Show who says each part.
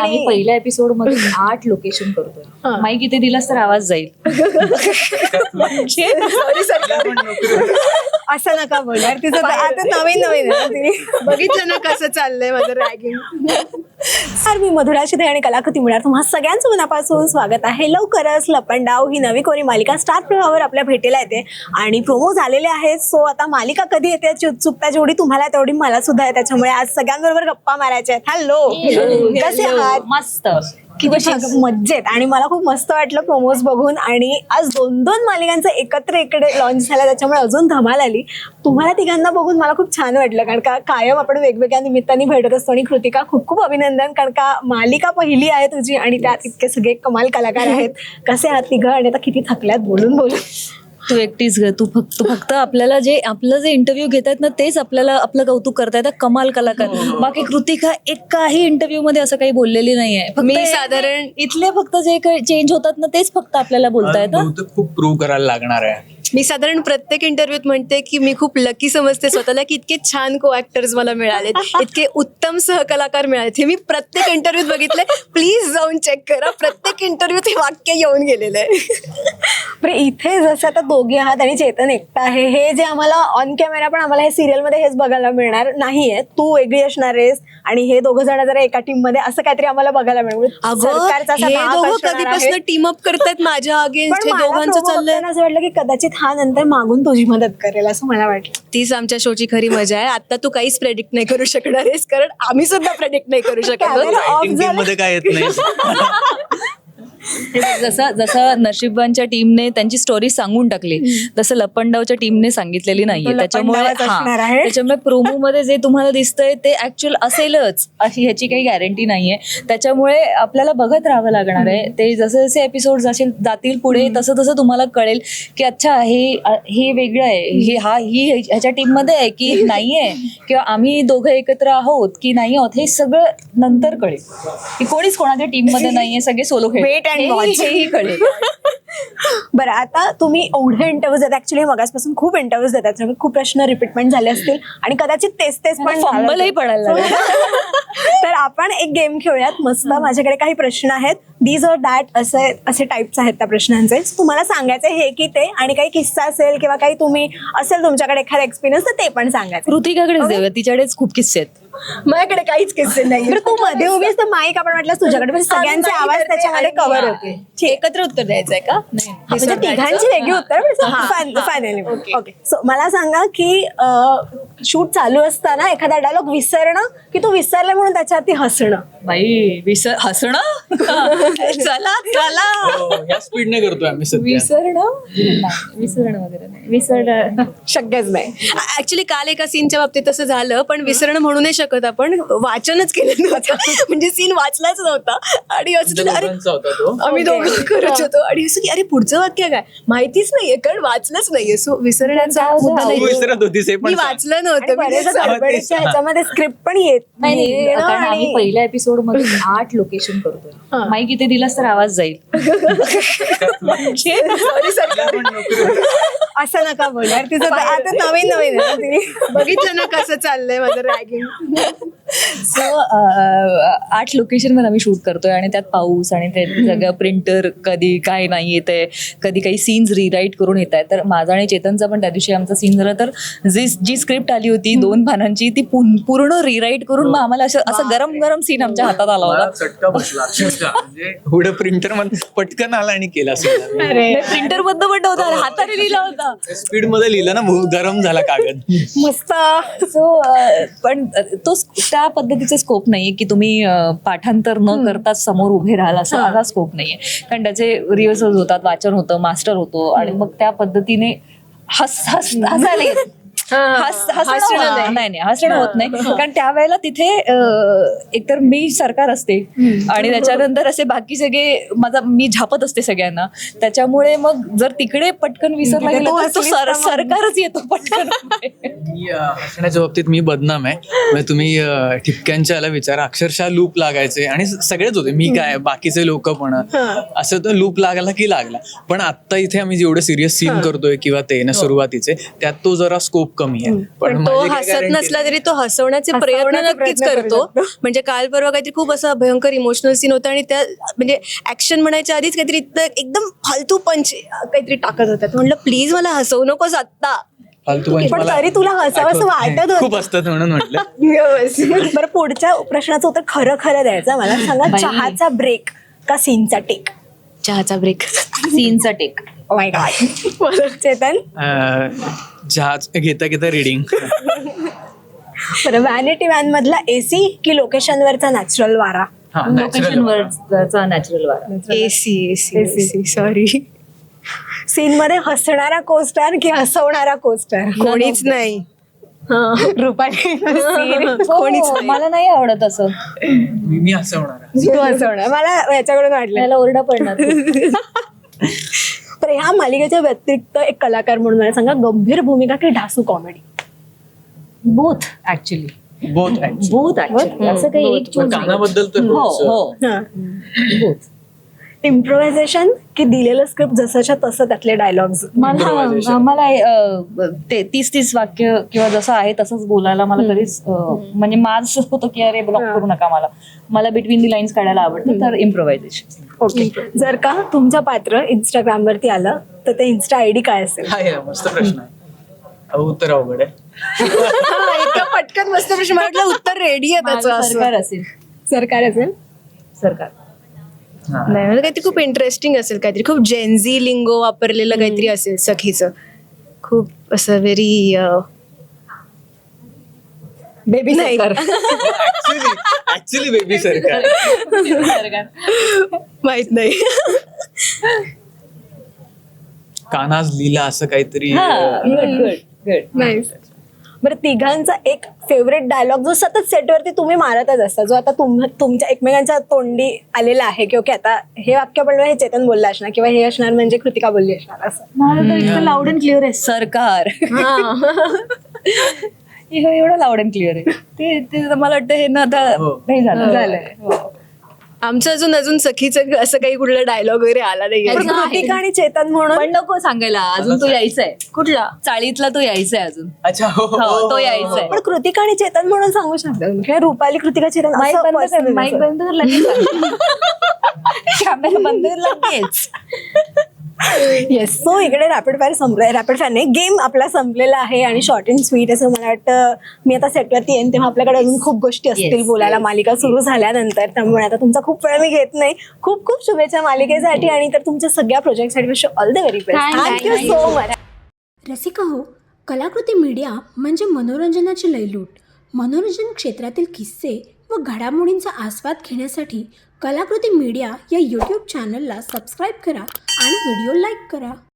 Speaker 1: आम्ही पहिल्या एपिसोड मध्ये 8 लोकेशन करतोय. माईक इथे दिलास तर आवाज जाईल.
Speaker 2: असं नका बोलणार. तिचं आता नवीन नवीन आहे तिने बघितलं ना कसं चाललंय माझं रॅगिंग. सर मी मधुरा शिदे आणि कलाकृती मिळणार तुम्हा सगळ्यांचं मनापासून स्वागत आहे. लवकरच लपंडाव ही नवी कोरी मालिका स्टार प्रवाहावर आपल्या भेटीला येते आणि प्रोमो झालेले आहेत. सो आता मालिका कधी येते याची उत्सुकता जेवढी तुम्हाला तेवढी मला सुद्धा आहे. त्याच्यामुळे आज सगळ्यांबरोबर गप्पा मारायच्या आहेत. हॅलो, कसे आहात?
Speaker 1: मस्त,
Speaker 2: किती मज्जेत. आणि मला खूप मस्त वाटलं प्रोमोज बघून. आणि आज 2 मालिकांचं एकत्र इकडे लॉन्च झाला त्याच्यामुळे अजून धमाल आली. तुम्हाला तिघांना बघून मला खूप छान वाटलं कारण का कायम आपण वेगवेगळ्या निमित्ताने भेटत असतो. आणि कृतिका खूप खूप अभिनंदन कारण का मालिका पहिली आहे तुझी आणि त्यात इतके सगळे कमाल कलाकार आहेत. कसे आहात तिघं? आणि आता किती थकल्यात बोलून बोलून.
Speaker 1: तू एकटीच ग. तू फक्त आपल्याला आपलं जे इंटरव्ह्यू घेतात ना तेच आपल्याला आपलं कौतुक करतायत. कमाल कलाकार. बाकी कृतिका एकाही इंटरव्ह्यू मध्ये असं काही बोललेली नाहीये.
Speaker 2: मी साधारण
Speaker 1: इथले फक्त जे काही चेंज होतात ना तेच फक्त आपल्याला बोलतायत.
Speaker 3: खूप प्रूव्ह करायला लागणार आहे.
Speaker 2: मी साधारण प्रत्येक इंटरव्ह्यूत म्हणते की मी खूप लकी समजते स्वतःला की इतके छान को ऍक्टर्स मला मिळाले, इतके उत्तम सहकलाकार मिळाले. हे मी प्रत्येक इंटरव्ह्यूत बघितलंय. प्लीज जाऊन चेक करा. प्रत्येक इंटरव्ह्यूत हे वाक्य येऊन गेलेलं आहे. इथे जसं आता दोघे आहात आणि चेतन एकटा आहे, हे जे आम्हाला ऑन कॅमेरा पण आम्हाला हे सिरियल मध्ये हेच बघायला मिळणार नाहीये. तू वेगळी असणार आहेस आणि हे दोघं जण जरा एका टीम मध्ये असं काहीतरी आम्हाला बघायला मिळेल. कधीपासून टीम अप करतायत माझ्या अगेन्स्ट. दोघांचं चाललंय असं वाटलं की कदाचित हा नंतर मागून तुझी मदत करेल असं मला वाटलं. तीच आमच्या शोची खरी मजा आहे. आता तू काहीच प्रेडिक्ट नाही करू शकणार आहेस कारण आम्ही सुद्धा प्रेडिक्ट नाही करू शकत.
Speaker 3: मध्ये काय येत नाही.
Speaker 1: जसं नशीबवानच्या टीमने त्यांची स्टोरी सांगून टाकली तसं लपंडावच्या टीमने सांगितलेली नाहीये. त्याच्यामुळे प्रोमो मध्ये जे तुम्हाला दिसतंय ते ऍक्च्युअल असेलच अशी ह्याची काही गॅरंटी नाहीये. त्याच्यामुळे आपल्याला बघत राहावं लागणार आहे. ते जसे जसे एपिसोड जातील पुढे तसं तसं तुम्हाला कळेल की अच्छा हे वेगळं आहे, ही ह्याच्या टीम मध्ये आहे की नाहीये, किंवा आम्ही दोघं एकत्र आहोत की नाही आहोत, हे सगळं नंतर कळेल की कोणीच कोणाच्या टीम मध्ये नाहीये, सगळे सोलो खेळ हेही कळेल.
Speaker 2: बरं, आता तुम्ही एवढे इंटरव्ह्यूज देतात. ऍक्च्युली मगासपासून खूप इंटरव्ह्यूज देतात त्यामुळे खूप प्रश्न रिपीटमेंट झाले असतील आणि कदाचित तेच पण
Speaker 1: फंबलही पडायला लागलं.
Speaker 2: तर आपण एक गेम खेळूयात मस्त. माझ्याकडे काही प्रश्न आहेत. दीज ऑर दॅट असे टाईप्स आहेत त्या प्रश्नांचे. तुम्हाला सांगायचं हे की ते, आणि काही किस्सा असेल किंवा काही तुम्ही असेल तुमच्याकडे एखादा एक्सपिरियन्स तर ते पण सांगायचं.
Speaker 1: कृतिकाकडेच देऊया, तिच्याकडेच खूप किस्से आहेत.
Speaker 2: माझ्याकडे काहीच किस्से नाही. तू मध्ये उभीस तर माईक आपण म्हटलं तुझ्याकडे म्हणजे सगळ्यांचे आवाज त्याच्यामध्ये कव्हर होते.
Speaker 1: एकत्र उत्तर द्यायचंय का?
Speaker 2: म्हणजे तिघांची वेगळी उत्तर फायनली. ओके, सो मला सांगा की शूट चालू असताना एखादा डायलॉग विसरणं की तू विसरला म्हणून त्याच्यावरती हसणं.
Speaker 1: बाई हसणं चला
Speaker 3: या स्पीडने करतोय आम्ही सध्या.
Speaker 1: विसरणं वगैरे नाही. विसरणं
Speaker 2: शक्यच नाही. ऍक्च्युली काल एका सीनच्या बाबतीत तसं झालं, पण विसरणं म्हणू नाही शकत आपण. वाचनच केलं नव्हतं म्हणजे सीन वाचलाच नव्हता आणि असं आम्ही दोघं करत होतो आणि असं की अरे पुढचं वाक्य काय माहितीच नाहीये कारण वाचलंच नाहीये. सो विसरण्याचा मुद्दा नाही. मी वाचलं नव्हतं. ह्याच्यामध्ये स्क्रिप्ट पण येत
Speaker 1: नाही. कारण आम्ही पहिल्या एपिसोड मध्ये 8 लोकेशन करतोय. माईक इथे दिलास तर आवाज जाईल.
Speaker 2: असं नका बोलणार. तिचं आता नवीन नवीन आहे तिने बघितलं ना कसं चाललंय माझं रॅगिंग.
Speaker 1: सो 8 लोकेशन मध्ये आम्ही शूट करतोय आणि त्यात पाऊस आणि ते सगळं प्रिंटर कधी काय नाही येतंय, कधी काही सीन्स रिराईट करून येत आहे. तर माझा आणि चेतनचा पण त्या दिवशी आमचा सीन झाला. तर जी स्क्रिप्ट आली होती 2 पानांची ती पूर्ण रिराईट करून मग आम्हाला असं गरम गरम सीन आमच्या हातात आला होता.
Speaker 3: चटका बसला म्हणजे पुढे प्रिंटर मध्ये पटकन आला आणि केला.
Speaker 1: प्रिंटर बद्द पण होता, हाताने लिहिला होता.
Speaker 3: स्पीड मध्ये लिहिलं ना, गरम झाला कागद
Speaker 2: मस्त.
Speaker 1: सो पण तो त्या पद्धतीचा स्कोप नाहीये की तुम्ही पाठांतर न करताच समोर उभे राहाल असा स्कोप नाहीये. कारण त्याचे रिहर्सल होतात, वाचन होतं, मास्टर होतो आणि मग त्या पद्धतीने हसायला येत. हसणं होत नाही कारण त्यावेळेला तिथे एकतर मी सरकार असते आणि त्याच्यानंतर असे बाकी सगळे मी झापत असते सगळ्यांना. त्याच्यामुळे मग जर तिकडे पटकन विसरला गेला तर सरकारच येतो पटकन.
Speaker 3: हसण्याच्या बाबतीत मी बदनाम आहे. म्हणजे तुम्ही ठिपक्यांच्या याला विचारा, अक्षरशः लूप लागायचे आणि सगळेच होते. मी काय बाकीचे लोक पण असं तर लूप लागला की लागला. पण आता इथे आम्ही जेवढे सिरियस सीन करतोय किंवा ते ना सुरुवातीचे त्यात तो जरा स्कोप कमी आहे.
Speaker 2: पण तो
Speaker 3: माझी काय
Speaker 2: हसत
Speaker 3: guarantee
Speaker 2: नसला
Speaker 3: नाही.
Speaker 2: तरी तो हसवण्याचे प्रयत्न
Speaker 4: हसवण्याचे
Speaker 2: नक्कीच
Speaker 4: प्रयत्न करू
Speaker 2: करतो. म्हणजे काल परवा काहीतरी खूप असा भयंकर इमोशनल सीन होता आणि त्या म्हणजे ऍक्शन म्हणायच्या आधीच काहीतरी एकदम फालतू पंच काहीतरी टाकत होता. म्हटलं प्लीज मला हसवू नकोस आत्ता.
Speaker 3: फालतू पंच
Speaker 4: पण
Speaker 3: मला
Speaker 4: तरी तुला हसावंसं
Speaker 3: आठवत
Speaker 4: वाटत
Speaker 3: नाही. खूप
Speaker 4: होतं.
Speaker 3: असतात म्हणून म्हटलं.
Speaker 4: बरं, पुढच्या प्रश्नाचं उत्तर खरं खरं द्यायचं. मला सांगा,
Speaker 1: बाई.
Speaker 4: चहाचा ब्रेक का सीनचा टेक?
Speaker 2: चहाचा ब्रेक.
Speaker 1: सीनचा टेक.
Speaker 4: My god. चेतन?
Speaker 3: जहाज घेता घेता रिडिंग.
Speaker 4: बरं, व्हॅनिटी व्हॅन मधला एसी की लोकेशनवरचा नॅचरल वारा?
Speaker 1: लोकेशन वरचा नॅचरल वारा.
Speaker 2: AC sorry.
Speaker 4: सीन मध्ये हसणारा कोस्टार की हसवणारा कोस्टार?
Speaker 2: कोणीच नाही.
Speaker 4: रुपाली.
Speaker 2: कोणीच नाही.
Speaker 1: मला नाही आवडत असं.
Speaker 3: मी असं होणार.
Speaker 4: तू हसवणार, मला याच्याकडून वाटलं.
Speaker 1: त्याला ओरडा पडणार.
Speaker 4: तर ह्या मालिकेच्या व्यतिरिक्त एक कलाकार म्हणून मला सांगा, गंभीर भूमिका की ढासू comedy?
Speaker 1: Both actually.
Speaker 3: Both
Speaker 1: both actually. असं काही एक choose नाही.
Speaker 3: कानाबद्दल तर
Speaker 1: हो
Speaker 3: खूप,
Speaker 1: हो. बोथ.
Speaker 4: इम्प्रोव्हायझेशन की दिलेलं स्क्रिप्ट जसंच्या तसं त्यातले डायलॉग्स?
Speaker 1: मला ते 30 वाक्य किंवा जसं आहे तसंच बोलायला मला कधीच म्हणजे माझं होतं की अरे ब्लॉक करू नका मला बिटवीन दी लाईन्स काढायला आवडतं. तर इम्प्रोव्हायझेशन.
Speaker 4: ओके. जर का तुमचं पात्र इंस्टाग्राम वरती आलं तर ते इन्स्टा आयडी काय असेल?
Speaker 3: हा हे मस्त प्रश्न आहे. उत्तर अवघड आहे.
Speaker 2: इतका पटकन मस्त प्रश्न. मला वाटलं उत्तर रेडी आहे त्याचं असं.
Speaker 1: सरकार असेल.
Speaker 4: सरकार असेल?
Speaker 1: सरकार.
Speaker 2: नाही म्हणजे काहीतरी खूप इंटरेस्टिंग असेल, काहीतरी खूप जेन्झी लिंगो वापरलेलं काहीतरी असेल सखीचं. खूप असं व्हेरी
Speaker 4: बेबी
Speaker 2: नाही.
Speaker 3: ऍक्च्युली बेबी सरकार.
Speaker 2: माहित नाही.
Speaker 3: कानाज लीला असं काहीतरी.
Speaker 1: गुड.
Speaker 4: नाही. बरं, तिघांचा एक फेवरेट डायलॉग जो सतत सेटवरती तुम्ही मारतच असता, जो आता तुमच्या एकमेकांच्या तोंडी आलेला आहे की ओके आता हे वाक्य पण हे चेतन बोलला असणार किंवा हे असणार म्हणजे कृतिका बोलली असणार, असं?
Speaker 1: मला तर इतकं लाऊड अँड क्लिअर आहे सरकार. एवढं लाऊड अँड क्लिअर आहे ते मला वाटतं हे ना आता नाही झालंय.
Speaker 2: आमचं अजून सखीचं असं काही कुठला डायलॉग वगैरे आला नाही.
Speaker 4: पण कृतिका आणि चेतन म्हणून
Speaker 1: पण नको सांगायला, अजून तो यायचाय.
Speaker 2: कुठला?
Speaker 1: चाळीतला तो यायचाय अजून.
Speaker 3: अच्छा.
Speaker 1: हो, तो यायचाय.
Speaker 4: पण कृतिका आणि चेतन म्हणून सांगू शकता किंवा रुपाली कृतिका चेतन
Speaker 1: माईक
Speaker 4: असं
Speaker 1: बंद कर,
Speaker 4: personally
Speaker 1: माईक
Speaker 4: असं.
Speaker 1: बंद कर लगेच. कॅमेरा बंद कर लगेच.
Speaker 4: येस. सो इकडे रॅपिड फायर संपलाय. रॅपिड फायर नाही, गेम आपला संपलेला आहे आणि शॉर्ट अँड स्वीट असं मला वाटतं. मी आता सेटवरती येईन तेव्हा आपल्याकडे अजून खूप गोष्टी असतील
Speaker 1: Yes,
Speaker 4: बोलायला मालिका सुरू झाल्यानंतर. त्यामुळे आता तुमचा खूप वेळ मी घेत नाही. खूप खूप शुभेच्छा मालिकेसाठी आणि तर तुमच्या सगळ्या प्रोजेक्टसाठी wish all the very best. Thank you so much.
Speaker 5: Rasika हो, कलाकृती मीडिया म्हणजे मनोरंजनाची लयलूट. मनोरंजन क्षेत्रातील किस्से व घडामोडींचा आस्वाद घेण्यासाठी कलाकृती मीडिया या यूट्यूब चॅनलला सबस्क्राईब करा आणि व्हिडिओ लाईक करा.